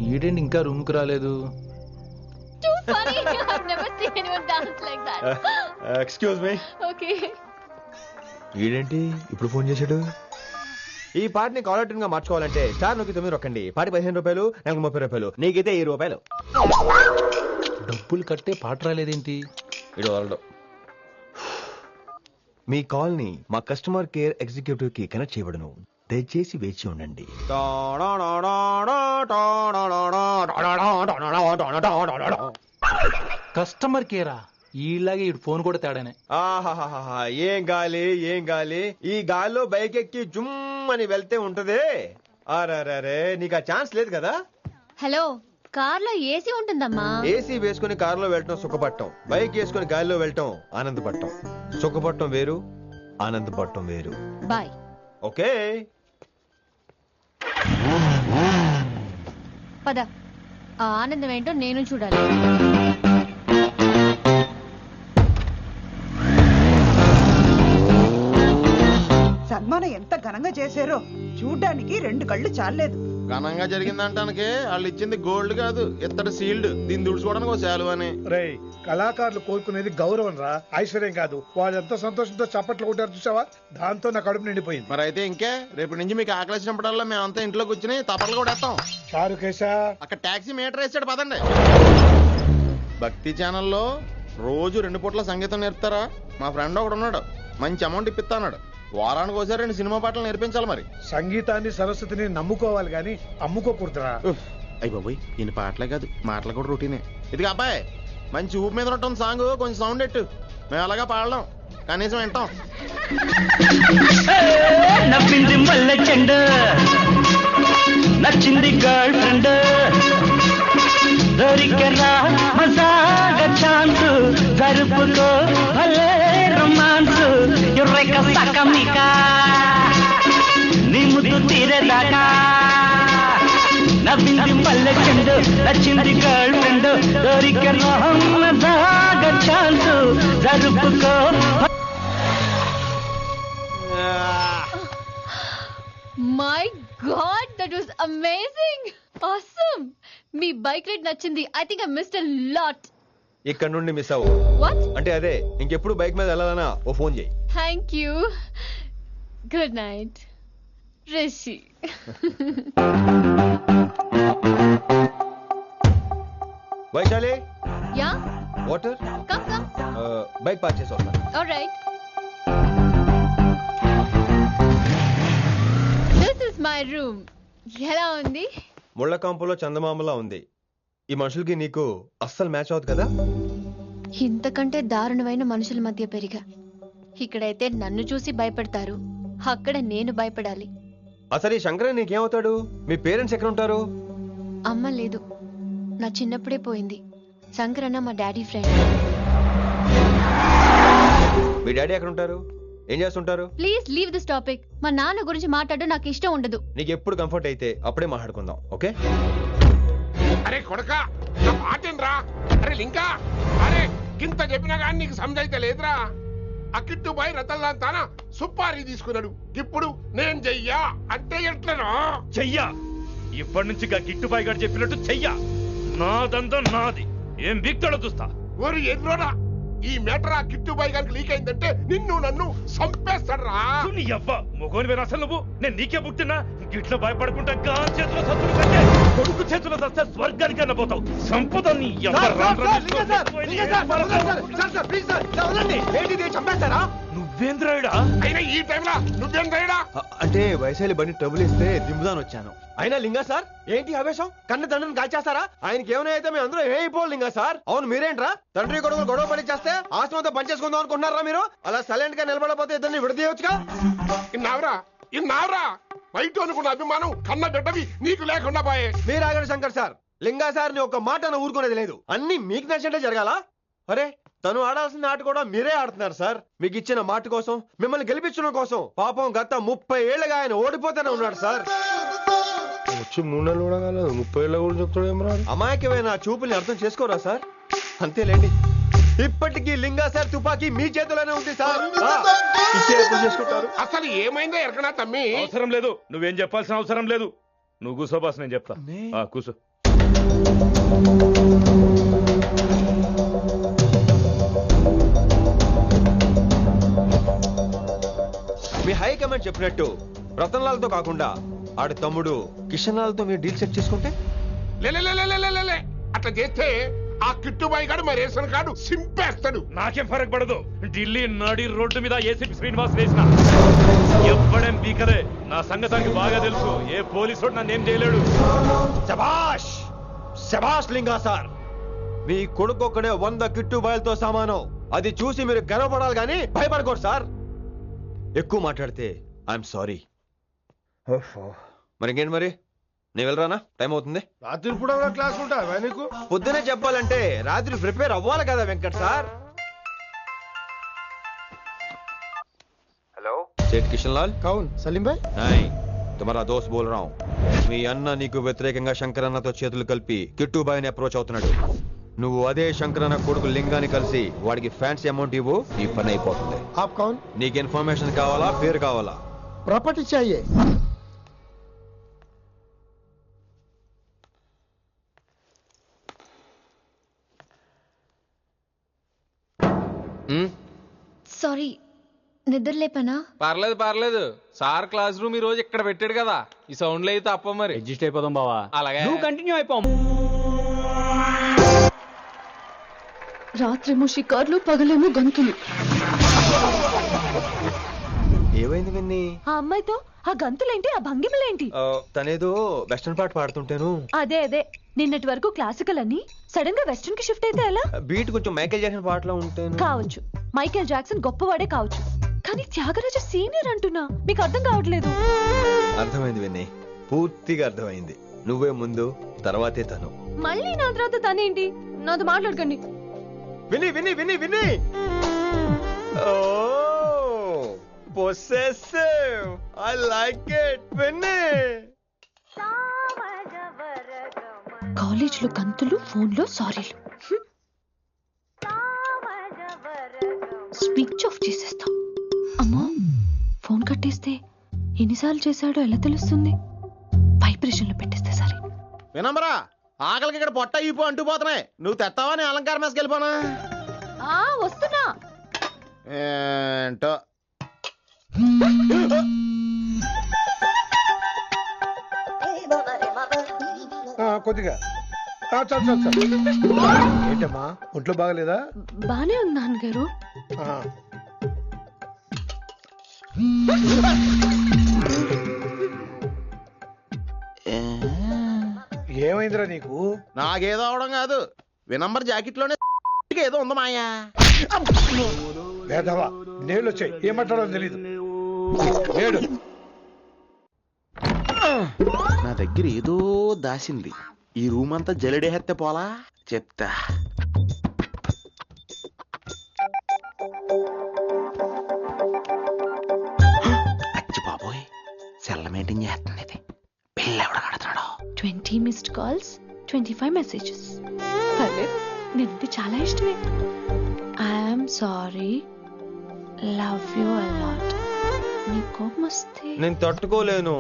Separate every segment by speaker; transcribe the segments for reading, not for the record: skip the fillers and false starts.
Speaker 1: ఈడేంటి ఇంకా రూమ్ కి రాలేదు?
Speaker 2: Too funny. I've never seen anyone dance like that.
Speaker 3: Excuse me.
Speaker 2: Okay.
Speaker 3: ఈడేంటి ఇప్పుడు ఫోన్ చేశాడు? ఈ పాటని కాలర్ ట్యూన్ గా మార్చుకోవాలంటే స్టార్ నొక్కి 9 రొక్కండి. పాటి 15 రూపాయలు, నాకు 30 రూపాయలు, నీకైతే 10 రూపాయలు.
Speaker 1: డబ్బులు కట్టే పాట రాలేదేంటి?
Speaker 3: ఇడు వాళ్ళు మీ కాల్ ని మా కస్టమర్ కేర్ ఎగ్జిక్యూటివ్ కి కనెక్ట్ చేయబడును. దయచేసి వేచి ఉండండి.
Speaker 1: కస్టమర్ కేరా? ఈలాగే ఇటు ఫోన్ కూడా తేడానే.
Speaker 3: ఆహాహాహా, ఏం గాలి ఏం గాలి. ఈ గాలిలో బైక్ ఎక్కి జుమ్ అని వెళ్తే ఉంటదే. అరే నీకు ఆ ఛాన్స్ లేదు కదా.
Speaker 2: హలో, కార్ లో ఏసీ ఉంటుందమ్మా.
Speaker 3: ఏసీ వేసుకుని కారులో వెళ్ళటం సుఖపట్టం, బైక్ వేసుకుని గాలిలో వెళ్ళటం ఆనందపట్టం. సుఖపట్టం వేరు, ఆనందపట్టం వేరు.
Speaker 2: బాయ్.
Speaker 3: ఓకే
Speaker 2: పద, ఆ ఆనందం ఏంటో నేను చూడాలి.
Speaker 4: సన్మానం ఎంత ఘనంగా చేశారో చూడ్డానికి 2 కళ్ళు చాలేదు.
Speaker 5: ఘనంగా జరిగిందంటానికి వాళ్ళు ఇచ్చింది గోల్డ్ కాదు, ఇత్తడి సీల్డ్. దీన్ని దుడుచుకోవడానికి ఒక శాలువ అని.
Speaker 6: రే, కళాకారులు కోరుకునేది గౌరవం రా, ఐశ్వర్యం కాదు. వాళ్ళు ఎంతో సంతోషంతో చప్పట్లు కొట్టారు చూసావా, దాంతో నా కడుపు నిండిపోయింది.
Speaker 5: మరి అయితే ఇంకే, రేపటి నుంచి మీకు ఆకలిసినప్పుడల్లా మేమంతా ఇంట్లో కూర్చుని తప్పట్లు కూడా వేస్తాం.
Speaker 6: చారు కేశా,
Speaker 5: అక్కడ టాక్సీ మీటర్ వేసాడు, పదండి. భక్తి ఛానల్లో రోజు 2 పూట్ల సంగీతం నేర్పుతారా? మా ఫ్రెండ్ ఒకడు ఉన్నాడు, మంచి అమౌంట్ ఇప్పిస్తా అన్నాడు. వారానికి ఒకసారి 2 సినిమా పాటలు నేర్పించాలి. మరి
Speaker 6: సంగీతాన్ని సరస్వతిని నమ్ముకోవాలి గాని అమ్ముకోకూడదురా.
Speaker 5: అయ్యి బాబోయ్, ఈయన పాటలే కాదు మాటలు కూడా రొటీనే. ఇదిగా అబ్బాయి, మంచి ఊపు మీద ఉంటుంది సాంగ్, కొంచెం సౌండ్ ఎట్టు. మేము అలాగా పాడలేం, కనీసం వింటాం.
Speaker 7: నవ్వింది మల్లె చెండు, నచ్చింది గర్ల్ ఫ్రెండ్, దొరికరా మజాగా ఛాన్స్, జరుపుకో భలే రొమాన్స్, ఎర్రెక సకమిక నీ ముద్దు తీరేదాకా. నవ్వింది మల్లె చెండు, నచ్చింది గర్ల్ ఫ్రెండ్, దొరికరా మజాగా ఛాన్స్, జరుపుకో.
Speaker 2: My God, that was amazing, awesome. మీ బైక్ రైడ్ నచ్చింది. I think I missed a lot.
Speaker 3: ఇక్కడ నుండి మిస్ అవ్వు.
Speaker 2: వాట్?
Speaker 3: అంటే అదే, ఇంకెప్పుడు బైక్ మీద వెళ్ళాలన్నా ఓ ఫోన్ చేయి.
Speaker 2: Thank you. Good night Rishi.
Speaker 3: Vaishali,
Speaker 2: yeah,
Speaker 3: water.
Speaker 2: Come come.
Speaker 3: Bike park చేసి వస్తాను.
Speaker 2: Alright. This is my room. ఎలా ఉంది?
Speaker 3: ముళ్ళ కాంపులో చందమామలా ఉంది. ఈ మనుషులకి నీకు అస్సలు మ్యాచ్ అవుతుంది కదా.
Speaker 2: ఇంతకంటే దారుణమైన మనుషుల మధ్య పెరిగా. ఇక్కడైతే నన్ను చూసి భయపడతారు, అక్కడ నేను భయపడాలి.
Speaker 3: అసలు ఈ శంకరన్ నీకేమవుతాడు? మీ పేరెంట్స్ ఎక్కడ ఉంటారు?
Speaker 2: అమ్మ లేదు, నా చిన్నప్పుడే పోయింది. శంకరన్న మా డాడీ ఫ్రెండ్.
Speaker 3: మీ డాడీ ఎక్కడ ఉంటారు? ఏం చేస్తుంటారు?
Speaker 2: Please leave this topic. మా నాన్న గురించి మాట్లాడడం నాకు ఇష్టం ఉండదు.
Speaker 3: నీకు ఎప్పుడు కంఫర్ట్ అయితే అప్పుడే మాట్లాడుకుందాం, ఓకే?
Speaker 8: అరే కొడక, నా మాటేనరా? అరే లింకా, అరే గింత చెప్పినా కానీ నీకు సమజైతే లేదురా. ఆ కిట్టుబాయి రతల్లాంతానా సుపారీ తీసుకున్నాడు. ఇప్పుడు నేను చెయ్యా అంటే ఎట్లనో
Speaker 9: చెయ్యా. ఇప్పటి నుంచి గిట్టుబాయి గారు చెప్పినట్టు చెయ్యా. నాదంతా నాది, ఏం బిక్తాడో చూస్తా.
Speaker 8: ఓరి ఎర్రోడా, ఈ మేటర్ ఆ కిట్టుబాయి గారికి లీక్ అయిందంటే నిన్ను నన్ను చంపేస్తాడ్రా.
Speaker 9: నీ అబ్బా మొగోని అసలు నువ్వు, నేను నీకే పుట్టినా గిట్ల భయపడుకుంటా గాలి చేతిలో సత్తులు కంటే కొడుకు చేతిలో సస్తే స్వర్గానికి అన్న పోతావు. సంపద నీ నువ్వేంద్రాయుడా?
Speaker 8: అయినా ఈ టైంలో నువ్వేం రైడా?
Speaker 3: అంటే వైశాలి బండి ట్రబుల్ ఇస్తే దింపుదాని వచ్చాను. అయినా లింగా సార్, ఏంటి ఆవేశం? కన్న తండ్రిని కాల్చేస్తారా? ఆయనకి ఏమైనా అయితే మేము అందరూ ఏమైపోవాలి లింగా సార్. అవును, మీరేంట్రా తండ్రి కొడుకులు గొడవ పడి చేస్తే ఆశ్రమంతో పనిచేసుకుందాం అనుకుంటున్నారా మీరు? అలా సైలెంట్ గా నిలబడపోతే ఇద్దరిని విడదీయొచ్చుగా.
Speaker 8: ఇన్నావురా బయట అనుకున్న అభిమానం కన్న బిడ్డవి నీకు లేకుండా పోయే.
Speaker 3: మీరు ఆగండి శంకర్ సార్. లింగా సార్ ని ఒక మాట ఊరుకునేది లేదు. అన్ని మీకు నచ్చినట్టే జరగాల. అరే, తను ఆడాల్సిన ఆట కూడా మీరే ఆడుతున్నారు సార్. మీకు ఇచ్చిన మాట కోసం, మిమ్మల్ని గెలిపించడం కోసం. పాపం గత 30 ఏళ్లుగా ఆయన ఓడిపోతూనే ఉన్నాడు సార్.
Speaker 5: వచ్చి 3 నెలలు కూడా కాలేదు, 30 ఏళ్ళ కూడా చెప్తాడేమరా.
Speaker 3: అమాయకమైన చూపుల్ని అర్థం చేసుకోరా సార్? అంతేలేండి, ఇప్పటికీ లింగా సార్ తుపాకీ మీ చేతిలోనే ఉంది సార్. చేసుకుంటారు.
Speaker 8: అసలు ఏమైందో ఎరకనా తమ్మి?
Speaker 9: అవసరం లేదు, నువ్వేం చెప్పాల్సిన అవసరం లేదు. నువ్వు కూసో బాస్, నేను చెప్తా. కూసో.
Speaker 3: మీ హై కమాండ్ చెప్పినట్టు రతన్ లాల్తో కాకుండా ఆడి తమ్ముడు కిషన్ లాల్తో మీరు డీల్ సెట్ చేసుకుంటే
Speaker 8: లే అట్లా చేస్తే ఆ కిట్టుబాయి గాడు మా రేషన్ కార్డు సింపేస్తాడు.
Speaker 9: నాకేం ఫరక్ పడదు. ఢిల్లీ నడి రోడ్డు మీద ఏసీపీ శ్రీనివాస్ వేసిన ఎవ్వడేం బీకరే. నా సంగతానికి బాగా తెలుసు. ఏ పోలీసు నన్నేం చేయలేడు.
Speaker 3: శభాష్ శభాష్ లింగా సార్, మీ కొడుకు ఒక్కడే 100 కిట్టుబాయలతో సమానం. అది చూసి మీరు గర్వపడాలి కానీ భయపడకూడదు సార్. ఎక్కువ మాట్లాడితే ఐఎమ్ సారీ. మరి ఇంకేంటి మరి, నేను వెళ్ళరానా? టైం అవుతుంది.
Speaker 6: రాత్రి కూడా క్లాస్ ఉంటావా నీకు?
Speaker 3: పొద్దునే చెప్పాలంటే రాత్రి ప్రిపేర్ అవ్వాలి కదా వెంకట్ సార్. హలో సేట్ కిషన్ లాల్.
Speaker 6: కౌన్ సలీం భాయ్?
Speaker 3: నై తుమారా దోస్త్ బోల్ రా హూం. మీ అన్న నీకు వ్యతిరేకంగా శంకరన్నతో చేతులు కలిపి కిట్టుబాయిని అప్రోచ్ అవుతున్నాడు. నువ్వు అదే శంకరన్న కొడుకు లింగాన్ని కలిసి వాడికి ఫ్యాన్సీ అమౌంట్ ఇవ్వు, ఈ పని అయిపోతుంది.
Speaker 6: ఆప్ కౌన్?
Speaker 3: నీకు ఇన్ఫర్మేషన్ కావాలా, పేరు కావాలా?
Speaker 6: ప్రాపర్టీ చాయే.
Speaker 2: సారీ, నిద్ర లేపనా?
Speaker 1: పర్లేదు. సార్ క్లాస్ రూమ్ ఈ రోజు ఇక్కడ పెట్టాడు కదా, ఈ సౌండ్లు అయితే తప్ప మరి
Speaker 10: అడ్జస్ట్ అయిపోదాం బావా.
Speaker 1: అలాగే
Speaker 10: నువ్వు కంటిన్యూ అయిపోం.
Speaker 2: రాత్రేమో షికార్లు, పగలేమో గంతులు.
Speaker 3: ఏమైంది విన్ని?
Speaker 2: ఆ అమ్మాయితో ఆ గంతులేంటి, ఆ భంగిమలేంటి?
Speaker 3: తనేదో వెస్టర్న్ పాట పాడుతుంటాను.
Speaker 2: అదే నిన్నటి వరకు క్లాసికల్ అని సడన్ గా వెస్టర్న్ కి షిఫ్ట్ అయితే ఎలా?
Speaker 3: బీట్ కొంచెం మైకేల్ జాక్సన్ పాటలో ఉంటాను.
Speaker 2: కావచ్చు, మైకేల్ జాక్సన్ గొప్పవాడే కావచ్చు, కానీ త్యాగరాజ సీనియర్ అంటున్నా. మీకు అర్థం కావట్లేదు.
Speaker 3: అర్థమైంది విన్ని, పూర్తిగా అర్థమైంది. నువ్వే ముందు, తర్వాతే తను.
Speaker 2: మళ్ళీ నా తర్వాత తనేంటి? నాతో మాట్లాడకండి.
Speaker 3: విన్ని possessive. I like it. విన్ని
Speaker 2: కాలేజ్ లో గంతులు, ఫోన్ లో సారీలు. స్విచ్ ఆఫ్ చేసేస్తా. అమ్మా, ఫోన్ కట్టేస్తే ఎన్నిసార్లు చేశాడో ఎలా తెలుస్తుంది? వైబ్రేషన్ లో పెట్టేస్తే సరే.
Speaker 5: వినమ్రా, ఆకలికి ఇక్కడ పొట్ట ఇప్పు అంటుపోతున్నాయి. నువ్వు తెస్తావా నేను అలంకారం వేసుకెళ్ళిపోనా?
Speaker 2: వస్తున్నా.
Speaker 5: ఏంటో
Speaker 6: కొద్దిగా చాలు. ఏంటమ్మా, ఒంట్లో బాగలేదా?
Speaker 2: బానే ఉంది నాన్నగారు.
Speaker 6: ఏమైందిరా నీకు?
Speaker 5: నాకేదో అవడం కాదు, వినంబర్ జాకెట్ లోనే ఏదో ఉంది మాయా.
Speaker 6: లేదవా, నేళ్ళు వచ్చాయి, ఏమంటాడో తెలీదు. నేడు
Speaker 5: నా దగ్గర ఏదో దాసింది. ఈ రూమ్ అంతా జలిడేహెత్తే పోలా చెప్తా. అచ్చి బాబోయ్, సెల్ల మెయింటైన్ చేస్తుంది ఇది. పిల్ల ఎవడ కడతాడు?
Speaker 2: 20 మిస్డ్ కాల్స్, 25 మెసేజెస్. పర్లేదు, నేనంటే చాలా ఇష్టమే. I'm sorry, love you a lot. నీ కోపం వస్తే
Speaker 3: నేను తట్టుకోలేను.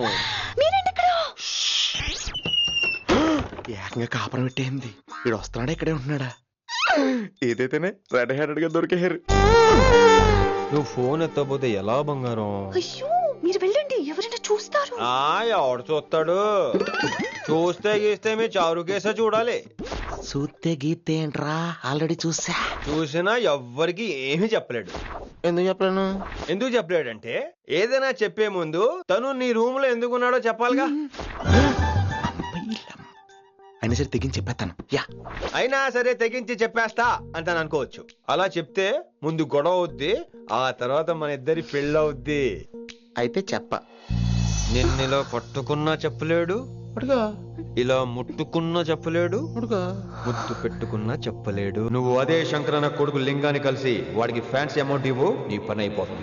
Speaker 5: ఏకంగా కాపురం పెట్టేయింది. వీడు వస్తున్నాడా, ఇక్కడే ఉంటున్నాడా? ఏదైతేనే రెడ్ హ్యాండెడ్ గా దొరికేహారు.
Speaker 3: నువ్వు ఫోన్ ఎత్తపోతే ఎలా బంగారం?
Speaker 2: అయ్యో, మీరు వెళ్ళండి, ఎవరైనా చూస్తారు.
Speaker 3: ఎవడు చూస్తాడు? చూస్తే గీస్తే మీ చారు కేసే చూడాలి.
Speaker 5: చూస్తే గీతే ఏంట్రా, ఆల్రెడీ
Speaker 3: చూసినా ఎవ్వరికి ఏమీ చెప్పలేడు.
Speaker 5: ఎందుకు చెప్పలేను?
Speaker 3: ఎందుకు చెప్పలేడంటే, ఏదైనా చెప్పే ముందు తను నీ రూమ్ లో ఎందుకున్నాడో చెప్పాలిగా.
Speaker 5: అయినా సరే తెగించి చెప్పేస్తాను.
Speaker 3: అయినా సరే తెగించి చెప్పేస్తా అంటాను అనుకోవచ్చు. అలా చెప్తే ముందు గొడవ అవుద్ది, ఆ తర్వాత మన ఇద్దరి పెళ్ళవుద్ది.
Speaker 5: అయితే చెప్ప.
Speaker 3: నిన్నిలా పట్టుకున్నా చెప్పలేడు, ఇలా ముట్టుకున్నా చెప్పలేడు, ముద్దు పెట్టుకున్నా చెప్పలేడు. నువ్వు అదే శంకరన్న కొడుకు లింగాన్ని కలిసి వాడికి ఫ్యాన్సీ అమౌంట్ ఇవ్వు, నీ పని అయిపోతుంది.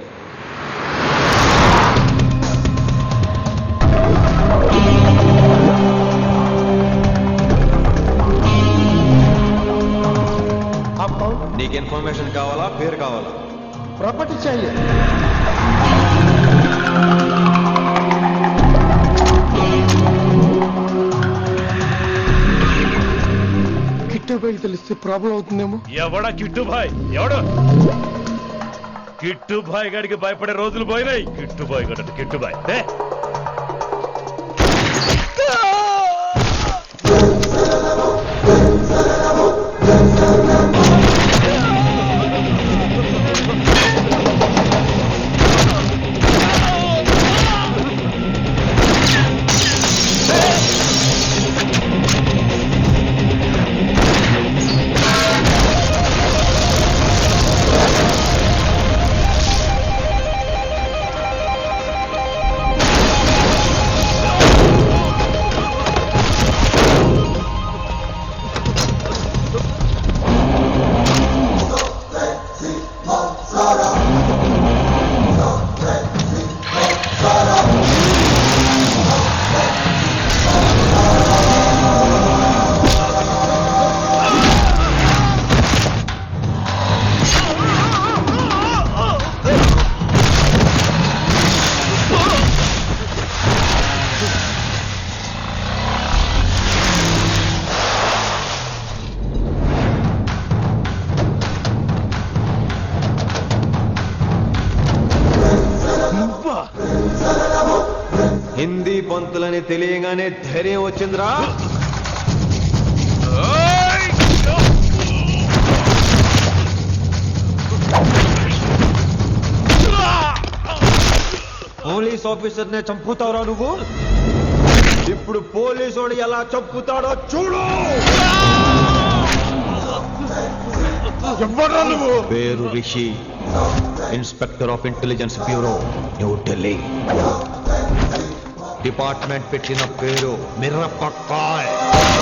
Speaker 3: నీకు ఇన్ఫర్మేషన్ కావాలా, పేరు కావాలా?
Speaker 6: ప్రాపర్టీ చాయే.
Speaker 8: కిట్టుబాయి తెలిస్తే ప్రాబ్లం అవుతుందేమో.
Speaker 9: ఎవడా కిట్టుబాయ్? ఎవడు? కిట్టుబాయ్ గారికి భయపడే రోజులు పోయినాయి. కిట్టుబాయ్ గడ కిట్టుబాయ్
Speaker 3: హిందీ పంతులని తెలియగానే ధైర్యం వచ్చిందిరా. పోలీస్ ఆఫీసర్ నే చంపుతావురా నువ్వు. ఇప్పుడు పోలీసు ఎలా చంపుతాడో చూడు.
Speaker 8: ఎవరా నువ్వు?
Speaker 3: పేరు Rishi, inspector of intelligence bureau, New Delhi. Department పెట్టిన పేరు మిరపకాయ్.